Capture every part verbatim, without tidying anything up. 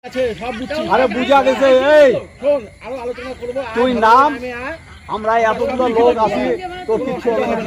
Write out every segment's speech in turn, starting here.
আরে বুঝা গেছে এই তুই নাম আমরা এতগুলো লোক আছি তোর কিছু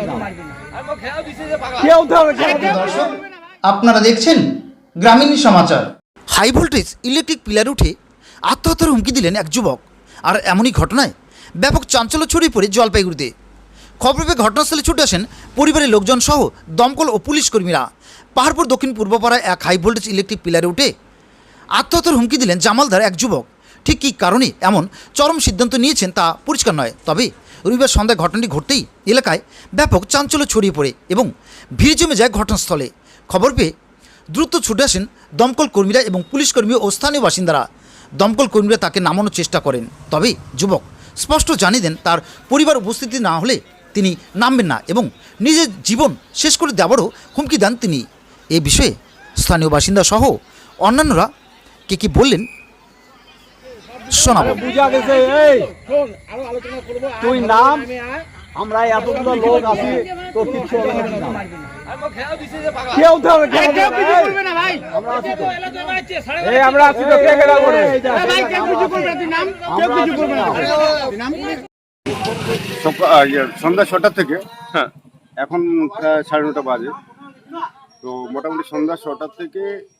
কেউ দর্শক আপনারা দেখছেন Gramin Samachar. High voltage electric pillar উঠে আত্মহত্যার হুমকি দিলেন এক যুবক। আর এমনই ঘটনায় ব্যাপক চাঞ্চল্য ছড়িয়ে পড়ে জলপাইগুড়িতে। খবর পেয়ে ঘটনাস্থলে ছুটে আসেন পরিবারের লোকজন সহ দমকল ও পুলিশ কর্মীরা। পাহাড়পুর দক্ষিণ পূর্বপাড়ায় এক হাই ভোল্টেজ ইলেকট্রিক পিলারে উঠে আত্মহত্যার হুমকি দিলেন জামালদার এক যুবক। ঠিক কী কারণে এমন চরম সিদ্ধান্ত নিয়েছেন তা পরিষ্কার নয়, তবে রবিবার সন্ধ্যায় ঘটনাটি ঘটতেই এলাকায় ব্যাপক চাঞ্চল্য ছড়িয়ে পড়ে এবং ভিড় জমে যায় ঘটনাস্থলে। খবর পেয়ে দ্রুত ছুটে আসেন দমকল কর্মীরা এবং পুলিশ কর্মী ও স্থানীয় বাসিন্দারা। দমকল কর্মীরা তাকে নামানোর চেষ্টা করেন, তবে যুবক স্পষ্ট জানিয়ে দেন তার পরিবার উপস্থিতি না হলে তিনি নামবেন না এবং নিজের জীবন শেষ করে দেওয়ারও হুমকি দেন তিনি। এ বিষয়ে স্থানীয় বাসিন্দা সহ অন্যান্যরা কে কি বললেন শোনাবো। বুঝা গেছে এই তুই নাম আমরা এতগুলো লোক আছি তোর কিছু কেউ আমরা আছি তো কে কেডা করে সন্ধ্যা ছটা থেকে হ্যাঁ এখন প্রায় সাড়ে নটা বাজে। তো মোটামুটি সন্ধ্যা ছটা থেকে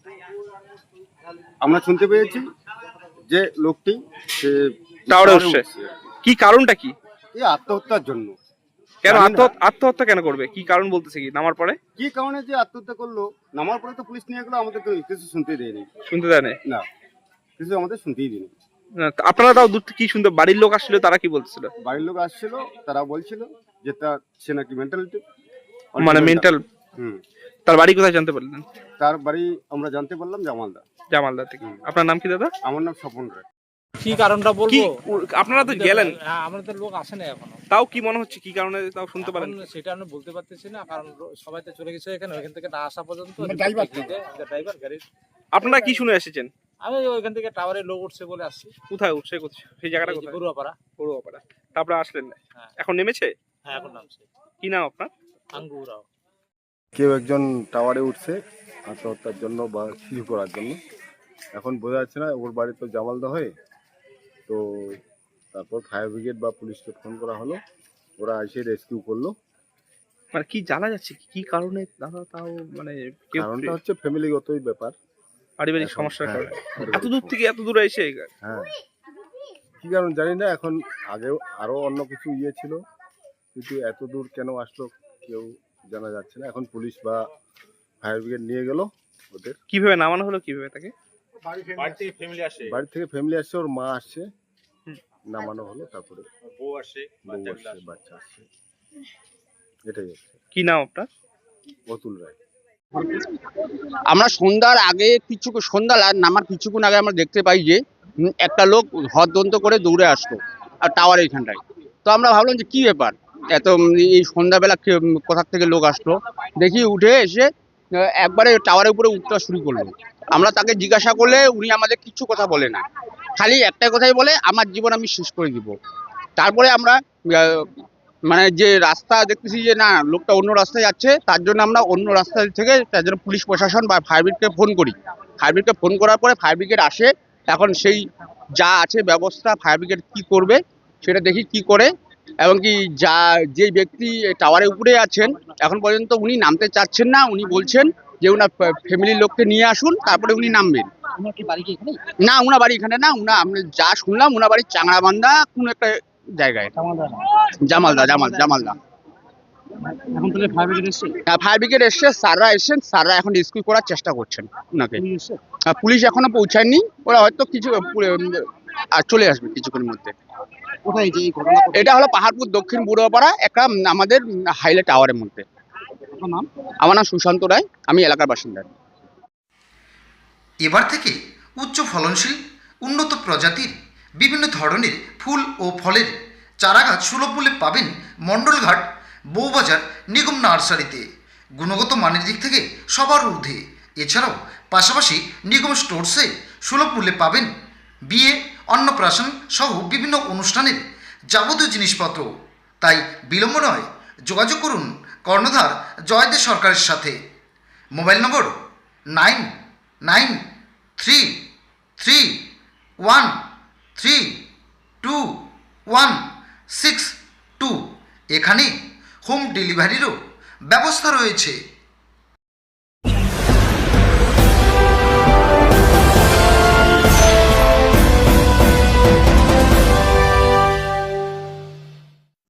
আমরা শুনতে পেয়েছি যে লোকটি সে টাওয়ারে উঠছে। কি কারণটা কি? এই আত্মহত্যার জন্য। কেন আত্মহত্যা কেন করবে? কি কারণ বলতেছে? কি নামার পরে কি কারণে যে আত্মহত্যা করলো? নামার পরে তো পুলিশ নিয়ে গেলো, আমাদের কিছু শুনতে দেয়নি। শুনতে দেয় না? কিছু আমাদের শুনতেই দিনি। আপনারা তাও দূর থেকে কি শুনতে? বাড়ির লোক আসছিল, তারা কি বলছিল? বাড়ির লোক আসছিল, তারা বলছিল যে তার সে নাকি মেন্টালিটি মানে মেন্টাল। হুম। তার বাড়ি কোথায় জানতে পারলেন? তার বাড়ি আমরা জানতে পারলাম জামালদা। জামালদা থেকে। আপনার নাম কি দাদা? আমার নাম স্বপন রায়। কি কারণটা বলবো? আপনারা তো গেলেন। হ্যাঁ, আমাদের লোক আসে না এখনো। তাও কি মনে হচ্ছে কি কারণে তাও শুনতে পারেন? সেটা আমি বলতে পারতেছি না, কারণ সবাই তো চলে গেছে এখানে, ওইখান থেকে না আসা পর্যন্ত ড্রাইভার গাড়ি। আপনারা কি শুনে এসেছেন? আমি ওইখান থেকে টাওয়ারে লোক উঠছে বলে আসছি। কোথায় উঠছে? কোথায় সেই জায়গাটা? কোথায়? বড়ুয়াপাড়া। বড়ুয়াপাড়া। তারপরে আসলেন না? এখন নেমেছে? হ্যাঁ এখন নামছে। কি নাম আপনার? আঙ্গু রাও। কেউ একজন টাওয়ারে উঠছে আত্মহত্যার জন্য বা কিছু করার জন্য। এখন বোঝা যাচ্ছে না, ওর বাড়ি তো জামালদা হয়ে। তো তারপর ফায়ার ব্রিগেড বা পুলিশকে ফোন করা হলো, ওরা এসে রেস্কিউ করলো। মানে কি জানা যাচ্ছে কি কারণে দাদা? তাও মানে কারণটা হচ্ছে ফ্যামিলিগতই ব্যাপার, পারিবারিক সমস্যার কারণে এত দূর থেকে এত দূরে এসে। হ্যাঁ, কি কারণ জানি না। এখন আগেও আরো অন্য কিছু ইয়ে ছিল, কিন্তু এত দূর কেন আসলো কেউ জানা যাচ্ছে না। এখন পুলিশ বা ফায়ার ব্রিগেড নিয়ে গেল ওদের। কিভাবে নামানো হলো? কিভাবে তাকে? বাড়ি থেকে ফ্যামিলি আসছে, বাড়ি থেকে ফ্যামিলি আসছে, ওর মা আসছে, নামানো হলো। তারপরে বউ আসে, বউ আসছে, বাচ্চা আসছে। এটাই হচ্ছে। কি নাম আপনার? অতুল রায়। আমরা সন্ধ্যার আগে কিছু সন্ধ্যা নামার কিছুক্ষণ আগে আমরা দেখতে পাই যে একটা লোক হদদন্ত করে দৌড়ে আসতো আর টাওয়ার এইখানটায়। তো আমরা ভাবলাম যে কি ব্যাপার, এত এই সন্ধ্যাবেলা কোথা থেকে লোক আসলো। দেখি উঠে এসে একবারে টাওয়ারের উপরে উঠতে শুরু করলো। আমরা তাকে জিজ্ঞাসা করলে উনি আমাদের কিছু কথা বলে না, খালি একটা কথাই বলে, আমার জীবন আমি শেষ করে দিব। তারপরে আমরা মানে যে রাস্তা দেখতেছি যে না লোকটা অন্য রাস্তায় যাচ্ছে, তার জন্য আমরা অন্য রাস্তা থেকে তার জন্য পুলিশ প্রশাসন বা ফায়ার ব্রিগেডকে ফোন করি। ফায়ার ব্রিগেডকে ফোন করার পরে ফায়ার ব্রিগেড আসে। এখন সেই যা আছে ব্যবস্থা ফায়ার ব্রিগেড কি করবে সেটা দেখি কি করে। এবং কি যা যে ব্যক্তি টাওয়ারের উপরে আছেন এখন পর্যন্ত উনি নামতে চাচ্ছেন না। উনি বলছেন যে উনার ফ্যামিলির লোককে নিয়ে আসুন, তারপরে উনি নামবেন। না, উনার বাড়ি এখানে না। উনা আমরা যা শুনলাম উনার বাড়ি চাংড়াবান্ধা কোন একটা জায়গায়। জামালদা জামাল জামালদা এখন তাহলে ফায়ার ব্রিগেড এসেছে? হ্যাঁ, ফায়ার ব্রিগেড এসছে, স্যাররা এসেছেন। স্যাররা এখন রেস্কিউ করার চেষ্টা করছেন ওনাকে। পুলিশ এখনো পৌঁছায়নি, ওরা হয়তো কিছু আর চলে আসবে কিছুক্ষণের মধ্যে। কোথায় যে এটা হলো পাহাড়পুর দক্ষিণ বুড়োপাড়া একটা আমাদের হাইলে টাওয়ারের মধ্যে। আমার নাম সুশান্ত রায়, আমি এলাকার বাসিন্দা। এবার থেকে উচ্চ ফলনশীল উন্নত প্রজাতির বিভিন্ন ধরনের ফুল ও ফলের চারাগাছ সুলভ মূল্যে পাবেন মণ্ডলঘাট বউবাজার নিগম নার্সারিতে। গুণগত মানের দিক থেকে সবার ঊর্ধ্বে। এছাড়াও পাশাপাশি নিগম স্টোরসে সুলভ মূল্যে পাবেন বিয়ে, অন্নপ্রাশন সহ বিভিন্ন অনুষ্ঠানের যাবতীয় জিনিসপত্র। তাই বিলম্ব নয়, যোগাযোগ করুন কর্ণধার জয়দেব সরকারের সাথে। Mobile number nine nine three three one three two one six two. এখানে হোম ডেলিভারিরও ব্যবস্থা রয়েছে।